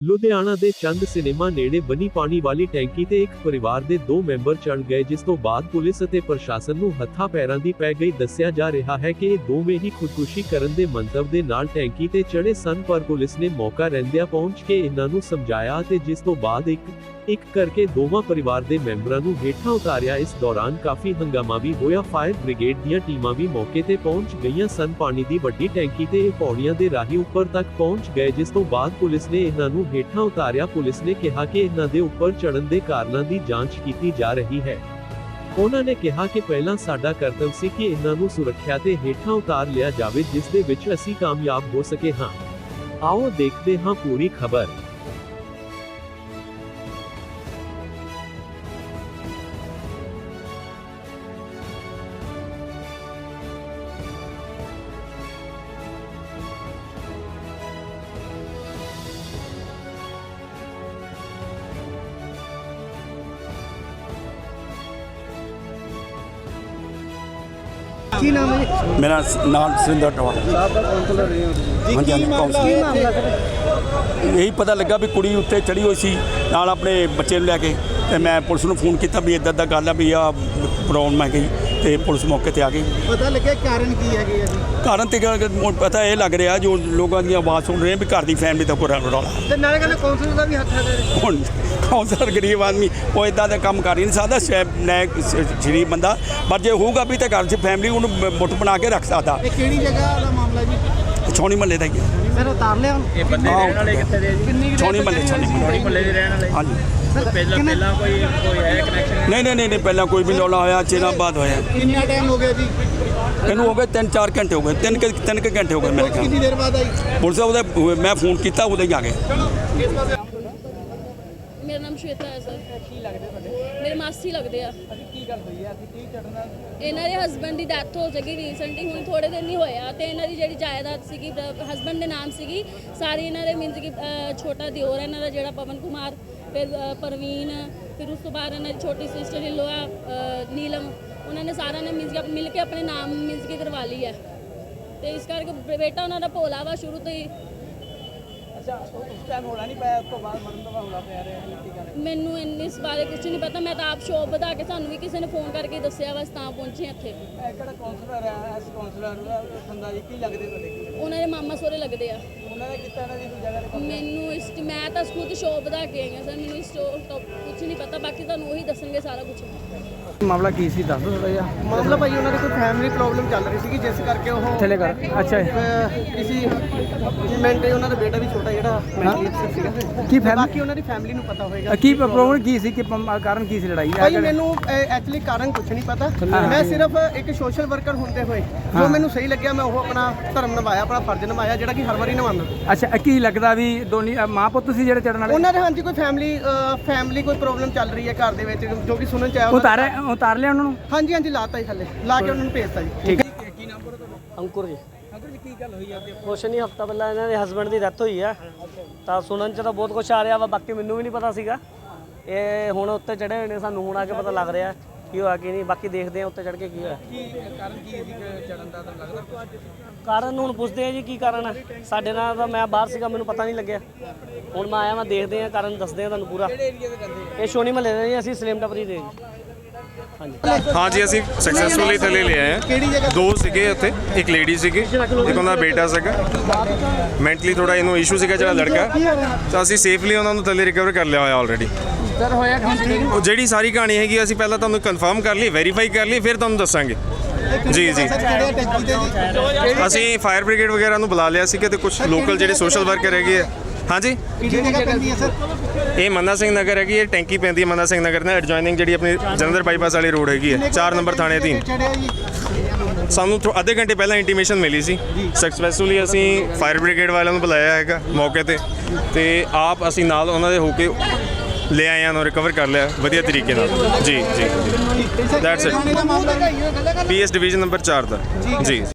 ਲੁਧਿਆਣਾ ਦੇ ਚੰਦ ਸਿਨੇਮਾ ਨੇੜੇ ਬਣੀ ਪਾਣੀ ਵਾਲੀ ਟੈਂਕੀ ਤੇ ਇੱਕ ਪਰਿਵਾਰ ਦੇ 2 ਮੈਂਬਰ ਚੜ ਗਏ, ਜਿਸ ਤੋਂ ਬਾਅਦ ਪੁਲਿਸ ਅਤੇ ਪ੍ਰਸ਼ਾਸਨ ਨੂੰ ਹੱਥਾਂ ਪੈਰਾਂ ਦੀ ਪੈ ਗਈ। ਦੱਸਿਆ ਜਾ ਰਿਹਾ ਹੈ ਕਿ ਇਹ ਦੋਵੇਂ ਹੀ ਖੁਦਕੁਸ਼ੀ ਕਰਨ ਦੇ ਮੰਤਵ ਦੇ ਨਾਲ ਟੈਂਕੀ ਤੇ ਚੜੇ ਸਨ, ਪਰ ਪੁਲਿਸ ਨੇ ਮੌਕਾ ਰਹਿੰਦਿਆਂ ਪਹੁੰਚ ਕੇ ਇਹਨਾਂ ਨੂੰ ਸਮਝਾਇਆ ਅਤੇ ਜਿਸ ਤੋਂ ਬਾਅਦ ਇੱਕ ਕਰਕੇ ਦੋਵਾਂ ਪਰਿਵਾਰ ਦੇ ਮੈਂਬਰਾਂ ਨੂੰ ਹੇਠਾਂ ਉਤਾਰਿਆ। ਇਸ ਦੌਰਾਨ ਕਾਫੀ ਹੰਗਾਮਾ ਵੀ ਹੋਇਆ। ਫਾਇਰ ਬ੍ਰਿਗੇਡ ਦੀਆਂ ਟੀਮਾਂ ਵੀ ਮੌਕੇ ਤੇ ਪਹੁੰਚ ਗਈਆਂ ਸਨ। ਪਾਣੀ ਦੀ ਵੱਡੀ ਟੈਂਕੀ ਤੇ ਇਹ ਪੌੜੀਆਂ ਦੇ ਰਾਹੀਂ ਉੱਪਰ ਤੱਕ ਪਹੁੰਚ ਗਏ, ਜਿਸ ਤੋਂ ਬਾਅਦ ਪੁਲਿਸ ਨੇ ਇਹਨਾਂ ਨੂੰ ਹੇਠਾਂ ਉਤਾਰਿਆ। ਪੁਲਿਸ ਨੇ ਕਿਹਾ ਕਿ ਇਹਨਾਂ ਦੇ ਉੱਪਰ ਚੜ੍ਹਨ ਦੇ ਕਾਰਨਾਂ ਦੀ ਜਾਂਚ ਕੀਤੀ ਜਾ ਰਹੀ ਹੈ। ਉਹਨਾਂ ਨੇ ਕਿਹਾ ਕਿ ਪਹਿਲਾਂ ਸਾਡਾ ਕਰਤੱਵ ਸੀ ਕਿ ਇਹਨਾਂ ਨੂੰ ਸੁਰੱਖਿਆ ਤੇ ਹੇਠਾਂ ਉਤਾਰ ਲਿਆ ਜਾਵੇ, ਜਿਸ ਦੇ ਵਿੱਚ ਅਸੀਂ ਕਾਮਯਾਬ ਹੋ ਸਕੇ ਹਾਂ। ਆਓ ਦੇਖਦੇ ਹਾਂ ਪੂਰੀ ਖਬਰ। ਕੀ ਨਾਮ ਹੈ? ਮੇਰਾ ਨਾਮ ਸਿੰਦਰ ਟਵਾ। यही पता लगा भी कुड़ी उत्ते चढ़ी हुई सी नाल अपने बच्चे नूं लैके ते मैं पुलिस नूं फोन किया भी इदां गल है भी आ प्रॉब्लम है गई ते पुलिस मौके ते आ गई। पता लगे कारण की है जी? कारण तो पता ये लग रहा जो लोगों की आवाज़ सुन रहे हैं भी घर की फैमिली तो पूरा रौला ते नाले गल काउंसलर दा भी हत्थ है। हुण काउंसलर गरीब आदमी वो इदां दा काम कर ही नहीं सकदा, नैक शरीफ बंदा, पर जे होगा भी तो घर च फैमिली उन्होंने मुठ बना के रख सकता। किहड़ी जगह दा मामला जी? छौनी महल्ले का ही है। सर उतार लिया ये बंदे रहने वाले कितने दे जी? छौनी महल्ले महल्ले दे रहने वाले। हाँ जी। पहला कोई है कनेक्शन? नहीं पहला कोई भी रौला होया, चेना बाद होया। कितना टाइम हो गया जी? इनू हो गए 3-4 घंटे हो गए, 3 घंटे हो गए मेरे ख्याल। कितनी देर बाद आई? पुलिस उहदे मैं फोन किया उदे ही आ गए। मेरा नाम श्वेता है सर। मेरे मासी लगते हैं। ਇਹਨਾਂ ਦੇ ਹਸਬੈਂਡ ਦੀ ਡੈਥ ਹੋ ਚੁੱਕੀ ਰੀਸੈਂਟਲੀ, ਹੁਣ ਥੋੜੇ ਦਿਨ ਹੀ ਹੋਇਆ ਤੇ ਇਹਨਾਂ ਦੀ ਜਿਹੜੀ ਜਾਇਦਾਦ ਸੀਗੀ ਹਸਬੈਂਡ ਦੇ ਨਾਮ ਸੀਗੀ ਸਾਰੀ, ਇਹਨਾਂ ਦੇ ਮੀਨਸ ਕਿ ਛੋਟਾ ਦਿਓਰ ਹੈ ਇਹਨਾਂ ਦਾ ਜਿਹੜਾ ਪਵਨ ਕੁਮਾਰ, ਫਿਰ ਪਰਵੀਨ, ਫਿਰ ਉਸ ਤੋਂ ਬਾਅਦ ਇਹਨਾਂ ਦੀ ਛੋਟੀ ਸਿਸਟਰ ਇਨ ਲੋ ਨੀਲਮ, ਉਹਨਾਂ ਨੇ ਸਾਰਿਆਂ ਨੇ ਮੀਨਸ ਕਿ ਮਿਲ ਕੇ ਆਪਣੇ ਨਾਮ ਮੀਨਸ ਕਿ ਕਰਵਾ ਲਈ ਹੈ ਤੇ ਇਸ ਕਰਕੇ ਬੇਟਾ ਉਹਨਾਂ ਦਾ ਭੋਲਾ ਵਾ ਸ਼ੁਰੂ ਤੋਂ ਹੀ। अच्छा उस टाइम होना नहीं पाया, उसको बाद मरण दवा होना पै रहा है। ਮੈਨੂੰ ਇਸ ਬਾਰੇ ਕੁਝ ਨਹੀਂ ਪਤਾ, ਮੈਂ ਤਾਂ ਆਪ ਸ਼ੋਪ ਵਧਾ ਕੇ ਸਾਨੂੰ ਵੀ ਕਿਸੇ ਨੇ ਫੋਨ ਕਰਕੇ ਦੱਸਿਆ ਬਸ ਤਾਂ ਪਹੁੰਚੇ ਇੱਥੇ। ਇਹ ਕਿਹੜਾ ਕਾਉਂਸਲਰ ਹੈ? ਐਸ ਕਾਉਂਸਲਰ ਸੰਦਾ ਜੀ ਕੀ ਲੱਗਦੇ ਤੁਹਾਡੇ? ਉਹਨਾਂ ਦੇ ਮਾਮਾ ਸੋਰੇ ਲੱਗਦੇ ਆ। ਉਹਨਾਂ ਨੇ ਕੀਤਾ ਨਾ ਜੀ ਕੋਈ ਜਗ੍ਹਾ ਤੇ? ਮੈਨੂੰ ਇਸ ਮੈਂ ਤਾਂ ਖੁਦ ਸ਼ੋਪ ਵਧਾ ਕੇ ਆਈ ਹਾਂ ਸਰ, ਮੈਨੂੰ ਇਸ ਤੋਂ ਕੁਝ ਨਹੀਂ ਪਤਾ, ਬਾਕੀ ਤੁਹਾਨੂੰ ਉਹੀ ਦੱਸਣਗੇ ਸਾਰਾ ਕੁਝ। ਮਾਮਲਾ ਕੀ ਸੀ ਦੱਸ ਦਿਓ ਥੋੜਾ ਜਿਹਾ। ਮਾਮਲਾ ਭਾਈ ਉਹਨਾਂ ਦੀ ਕੋਈ ਫੈਮਿਲੀ ਪ੍ਰੋਬਲਮ ਚੱਲ ਰਹੀ ਸੀਗੀ, ਜਿਸ ਕਰਕੇ ਉਹ ਥੱਲੇ ਕਰ। ਅੱਛਾ ਕਿਸੇ ਮੈਂਟੇ ਉਹਨਾਂ ਦਾ ਬੇਟਾ ਵੀ ਛੋਟਾ ਜਿਹੜਾ ਮੈਂਟਲੀ ਅਪਸੈਟ ਸੀਗਾ। ਕੀ ਫੈਮਿਲੀ? ਬਾਕੀ ਉਹਨਾਂ ਦੀ ਫੈਮਿਲੀ ਨੂੰ ਪਤਾ ਹੋਏਗਾ ਕੀ ਪ੍ਰੋਬਲਮ ਕੀ ਸੀ, ਕਿ ਕਾਰਨ ਕੀ ਸੀ ਲੜਾਈ ਦਾ? ਭਾਈ ਮੈਨੂੰ ਐਕਚੁਅਲੀ ਕਾਰਨ ਕੁਝ ਨਹੀਂ ਪਤਾ, ਮੈਂ ਸਿਰਫ ਇੱਕ ਸੋਸ਼ਲ ਵਰਕਰ ਹੁੰਦੇ ਹੋਏ ਜੋ ਮੈਨੂੰ ਸਹੀ ਲੱਗਿਆ ਮੈਂ ਉਹ ਆਪਣਾ ਧਰਮ ਨਿਭਾਇਆ, ਆਪਣਾ ਫਰਜ਼ ਨਿਭਾਇਆ, ਜਿਹੜਾ ਕਿ ਹਰ ਵਾਰੀ ਨਿਭਾਉਂਦਾ। ਅੱਛਾ ਕੀ ਲੱਗਦਾ ਵੀ ਦੋਨੀ ਮਾਂ ਪੁੱਤ ਸੀ ਜਿਹੜੇ ਚੜਨ ਵਾਲੇ? ਉਹਨਾਂ ਦੇ ਹਾਂਜੀ ਕੋਈ ਫੈਮਿਲੀ ਕੋਈ ਪ੍ਰੋਬਲਮ ਚੱਲ ਰਹੀ ਹੈ ਘਰ ਦੇ ਵਿੱਚ, ਜੋ ਕਿ ਸੁਣਨ ਚ ਆਇਆ। ਉਤਾਰ ਲਿਆ ਉਹਨਾਂ ਨੂੰ? ਹਾਂਜੀ ਲਾਤਾ ਜੀ ਥੱਲੇ ਲਾ ਕੇ ਉਹਨਾਂ ਨੂੰ ਭੇਜਤਾ ਜੀ। ਠੀਕ ਹੈ। ਅੰਕੁਰ ਜੀ। ਅੰਕਲ ਜੀ ਕੀ ਗੱਲ ਹੋਈ ਆ? ਕੁਛ ਨਹੀਂ, ਹਫਤਾ ਪਹਿਲਾਂ ਇਹਨਾਂ ਦੇ ਹਸਬੈਂਡ ਦੀ ਡੈਥ ਹੋਈ ਆ, ਤਾਂ ਸੁਣਨ 'ਚ ਤਾਂ ਬਹੁਤ ਕੁਛ ਆ ਰਿਹਾ ਵਾ, ਬਾਕੀ ਮੈਨੂੰ ਵੀ ਨਹੀਂ ਪਤਾ ਸੀਗਾ। ਇਹ ਹੁਣ ਉੱਤੇ ਚੜ੍ਹੇ ਹੋਏ ਨੇ, ਸਾਨੂੰ ਹੁਣ ਆ ਕੇ ਪਤਾ ਲੱਗ ਰਿਹਾ ਕੀ ਹੋਇਆ ਕੀ ਨਹੀਂ, ਬਾਕੀ ਦੇਖਦੇ ਆ ਉੱਤੇ ਚੜ੍ਹ ਕੇ ਕੀ ਹੋਇਆ। ਕਾਰਨ ਕੀ ਸੀ ਚੜਨ ਦਾ ਤਾਂ ਲੱਗਦਾ? ਕਾਰਨ ਹੁਣ ਪੁੱਛਦੇ ਆ ਜੀ ਕੀ ਕਾਰਨ ਆ। ਸਾਡੇ ਨਾਲ ਤਾਂ ਮੈਂ ਬਾਹਰ ਸੀਗਾ, ਮੈਨੂੰ ਪਤਾ ਨਹੀਂ ਲੱਗਿਆ, ਹੁਣ ਮੈਂ ਆਇਆ, ਮੈਂ ਦੇਖਦੇ ਆ ਕਾਰਨ ਦੱਸਦੇ ਆ ਤੁਹਾਨੂੰ ਪੂਰਾ। ਇਹ ਸ਼ੋਨੀ ਮਹੱਲੇ ਦੇ ਜੀ, ਅਸੀਂ ਸਲੇਮ ਟੱਪਰੀ ਦੇ ਜੀ। हाँ जी, ਅਸੀਂ ਸਕਸੈਸਫੁਲੀ ਥੱਲੇ ਲੈ ਆਏ ਹਾਂ। 2 ਸੀਗੇ ਉੱਥੇ, ਇੱਕ ਲੇਡੀ ਸੀਗੀ, ਇੱਕ ਉਹਨਾਂ ਦਾ ਬੇਟਾ ਸੀਗਾ। ਮੈਂਟਲੀ ਥੋੜਾ ਇਹਨੂੰ ਇਸ਼ੂ ਸੀਗਾ ਜਿਹੜਾ ਲੜਕਾ, ਤਾਂ ਅਸੀਂ ਸੇਫਲੀ ਉਹਨਾਂ ਨੂੰ ਥੱਲੇ ਰਿਕਵਰ ਕਰ ਲਿਆ ਹੋਇਆ ਆਲਰੇਡੀ। ਸਰ ਹੋਇਆ ਉਹ ਜਿਹੜੀ ਸਾਰੀ ਕਹਾਣੀ ਹੈਗੀ ਅਸੀਂ ਪਹਿਲਾਂ ਤੁਹਾਨੂੰ ਕਨਫਰਮ ਕਰ ਲਈ, ਵੈਰੀਫਾਈ ਕਰ ਲਈ, ਫਿਰ ਤੁਹਾਨੂੰ ਦੱਸਾਂਗੇ। ਜੀ ਅਸੀਂ ਫਾਇਰ ਬ੍ਰਿਗੇਡ ਵਗੈਰਾ ਨੂੰ ਬੁਲਾ ਲਿਆ ਸੀਗਾ ਤੇ ਕੁਝ ਲੋਕਲ ਜਿਹੜੇ ਸੋਸ਼ਲ ਵਰਕਰ ਹੈਗੇ ਆ। ਹਾਂਜੀ ਇਹ ਮੰਨਾ ਸਿੰਘ ਨਗਰ ਹੈਗੀ, ਇਹ ਟੈਂਕੀ ਪੈਂਦੀ ਹੈ ਮੰਨਾ ਸਿੰਘ ਨਗਰ ਨਾਲ ਐਡਜੋਇਨਿੰਗ, ਜਿਹੜੀ ਆਪਣੀ ਜਲੰਧਰ ਬਾਈਪਾਸ ਵਾਲੀ ਰੋਡ ਹੈਗੀ ਹੈ, 4 ਨੰਬਰ ਥਾਣੇ ਅਧੀਨ। ਸਾਨੂੰ ਅੱਧੇ ਘੰਟੇ ਪਹਿਲਾਂ ਇੰਟੀਮੇਸ਼ਨ ਮਿਲੀ ਸੀ, ਸਕਸੈਸਫੁਲੀ ਅਸੀਂ ਫਾਇਰ ਬ੍ਰਿਗੇਡ ਵਾਲਿਆਂ ਨੂੰ ਬੁਲਾਇਆ ਹੈਗਾ ਮੌਕੇ ਤੇ ਆਪ ਅਸੀਂ ਨਾਲ ਉਹਨਾਂ ਦੇ ਹੋ ਕੇ ਲੈ ਆਏ ਹਾਂ, ਰਿਕਵਰ ਕਰ ਲਿਆ ਵਧੀਆ ਤਰੀਕੇ ਨਾਲ। ਜੀ that's it. PS division number 4 ਦਾ ਜੀ।